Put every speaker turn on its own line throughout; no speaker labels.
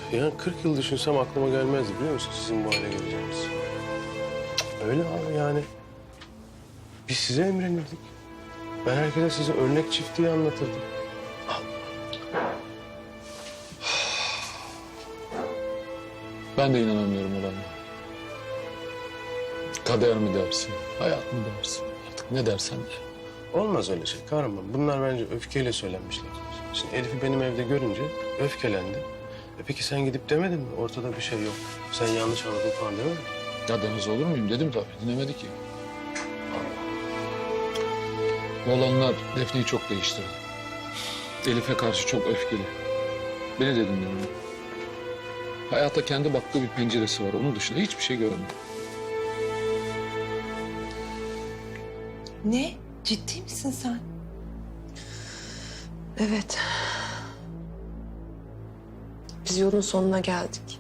Ya 40 yıl düşünsem aklıma gelmezdi biliyor musun sizin bu hale geleceğiniz. Öyle abi yani. Biz size emrenirdik. Ben herkese size örnek çiftliği anlatırdım.
Ben de inanamıyorum olanlara. Kader mi dersin, hayat mı dersin? Artık ne dersen de.
Olmaz öyle şey kahraman. Bunlar bence öfkeyle söylenmişler. Şimdi Elif'i benim evde görünce öfkelendi. Peki sen gidip demedin mi? Ortada bir şey yok. Sen yanlış anladın falan demedin mi?
Ya Deniz olur muyum dedim tabii, dinlemedi ki. Bu olanlar Defne'yi çok değiştirdi. Elif'e karşı çok öfkeli. Beni de dinlemiyor. Hayata kendi baktığı bir penceresi var. Onun dışında hiçbir şey görmüyor.
Ne? Ciddi misin sen?
Evet. Biz yolun sonuna geldik.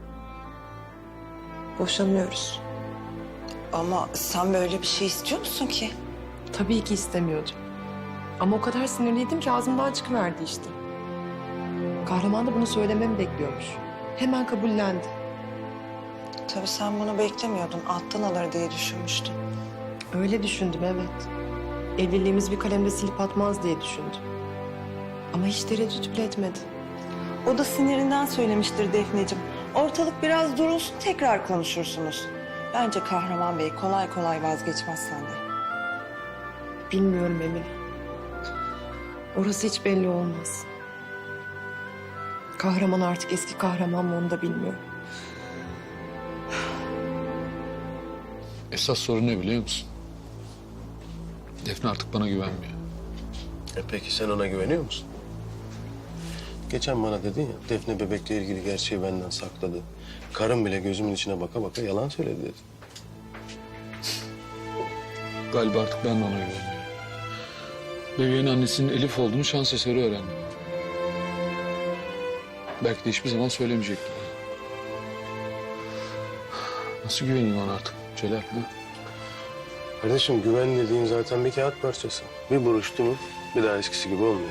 Boşanıyoruz.
Ama sen böyle bir şey istiyor musun ki?
Tabii ki istemiyordum. Ama o kadar sinirliydim ki ağzımdan çıkıverdi işte. Kahraman da bunu söylememi bekliyormuş. Hemen kabullendi.
Tabii sen bunu beklemiyordun. Alttan alır diye düşünmüştüm.
Öyle düşündüm evet. Evliliğimiz bir kalemde silip atmaz diye düşündüm. Ama hiç tereddüt bile etmedi.
O da sinirinden söylemiştir Defneciğim. Ortalık biraz durulsun tekrar konuşursunuz. Bence Kahraman Bey kolay kolay vazgeçmez senden.
Bilmiyorum Emine. Orası hiç belli olmaz. Kahraman artık eski kahraman mı onu da bilmiyorum.
Esas sorun ne biliyor musun? Defne artık bana güvenmiyor.
Peki sen ona güveniyor musun? Geçen bana dedin ya, Defne bebekle ilgili gerçeği benden sakladı. Karım bile gözümün içine baka baka yalan söyledi dedi.
Galiba artık ben de ona güveniyorum. Bebeğin annesinin Elif olduğunu şans eseri öğrendim. Belki de hiçbir zaman söylemeyecektim. Nasıl güveneyim ona artık Celal? Ha?
Kardeşim güven dediğin zaten bir kağıt parçası. Bir buruştu mu bir daha eskisi gibi olmuyor.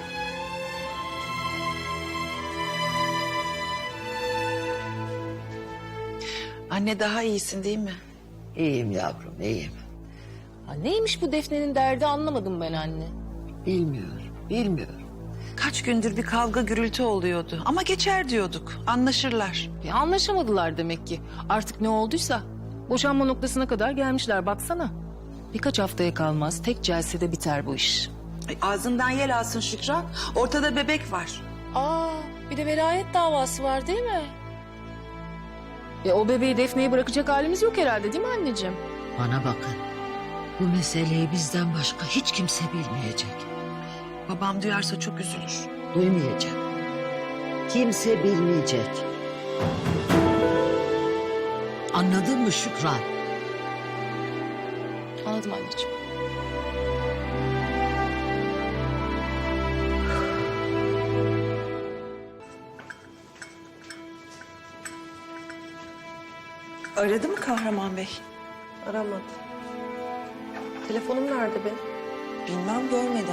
Anne daha iyisin değil mi?
İyiyim yavrum, iyiyim.
Ha, neymiş bu Defne'nin derdi anlamadım ben anne.
Bilmiyorum.
Kaç gündür bir kavga gürültü oluyordu. Ama geçer diyorduk. Anlaşırlar.
Anlaşamadılar demek ki. Artık ne olduysa boşanma noktasına kadar gelmişler baksana. Birkaç haftaya kalmaz tek celsede biter bu iş.
Ağzından yel alsın Şükran. Ortada bebek var.
Aa, bir de velayet davası var değil mi? O bebeği Defne'ye bırakacak halimiz yok herhalde değil mi anneciğim?
Bana bakın. Bu meseleyi bizden başka hiç kimse bilmeyecek.
Babam duyarsa çok üzülür.
Duymayacak. Kimse bilmeyecek. Anladın mı Şükran?
Anladım anneciğim.
Aradı mı Kahraman Bey?
Aramadı. Telefonum nerede benim?
Bilmem görmedim.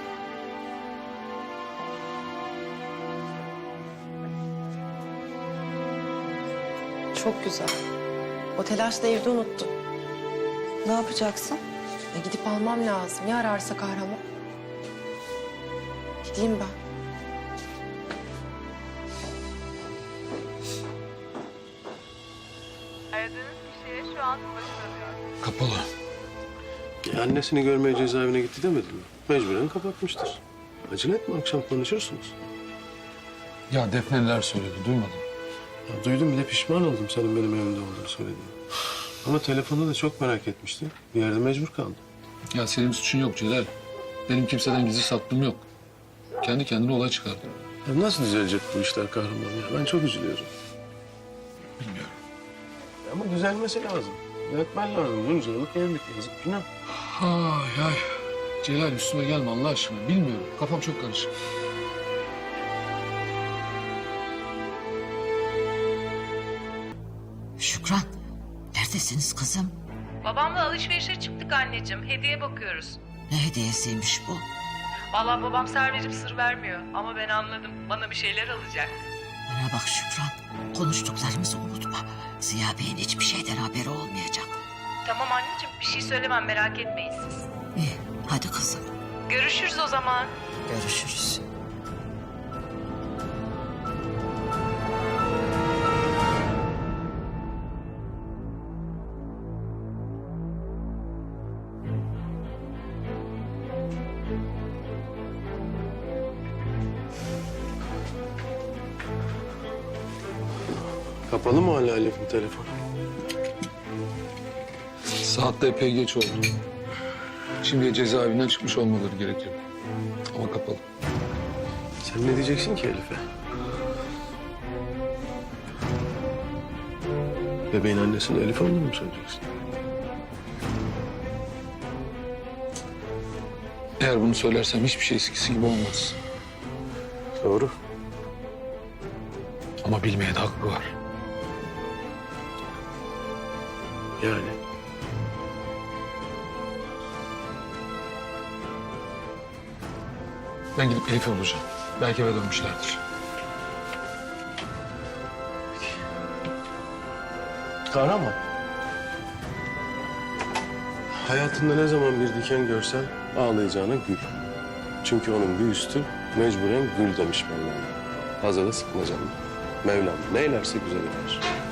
Çok güzel. O telaşla evde unuttum.
Ne yapacaksın?
Gidip almam lazım. Ya ararsa kahraman? Gideyim ben.
Aradığınız kişiye şu an ulaşılamıyor.
Kapalı.
Annesini görmeye cezaevine gitti demedin mi? Mecburen kapatmıştır. Acele etme akşam konuşursunuz.
Ya Defne neler söyledi duymadın.
Ya, duydum bir de pişman oldum senin benim evimde olduğunu söylediğini. Ama telefonda da çok merak etmişti. Bir yerde mecbur kaldım.
Ya senin suçun yok Celal. Benim kimseden gizli saklım yok. Kendi kendine olay çıkardım.
Ya nasıl düzelecek bu işler kahraman ya? Ben çok üzülüyorum.
Bilmiyorum.
Ama düzelmesi lazım. Düzeltmen lazım. Bunca yıllık evlilik yazık günah.
Ay ay. Celal üstüme gelme Allah aşkına. Bilmiyorum. Kafam çok karışık.
Şükran, neredesiniz kızım?
Babamla alışverişe çıktık anneciğim. Hediye bakıyoruz.
Ne hediyesiymiş bu?
Vallahi babam ser verip sır vermiyor. Ama ben anladım. Bana bir şeyler alacak.
Bana bak Şükran, konuştuklarımızı unutma. Ziya Bey'in hiçbir şeyden haberi olmayacak.
Tamam anneciğim, bir şey söylemem, merak etmeyin siz.
İyi, hadi kızım.
Görüşürüz o zaman.
Görüşürüz.
Kapalı mı hala Elif'in telefonu?
Saat de epey geç oldu. Şimdi cezaevinden çıkmış olmaları gerekiyor. Ama kapalı.
Sen ne diyeceksin ki Elif'e? Bebeğin annesinin Elif olduğunu mu söyleyeceksin?
Eğer bunu söylersem hiçbir şey eskisi gibi olmaz.
Doğru.
Ama bilmeye de hakkı var.
Yani.
Ben gidip Elif'i bulacağım. Belki eve dönmüşlerdir.
Kahraman. Hayatında ne zaman bir diken görsen ağlayacağına gül. Çünkü onun bir üstü mecburen gül demiş Mevlam. Fazla da sıkma canım. Mevlam neylerse güzel eder.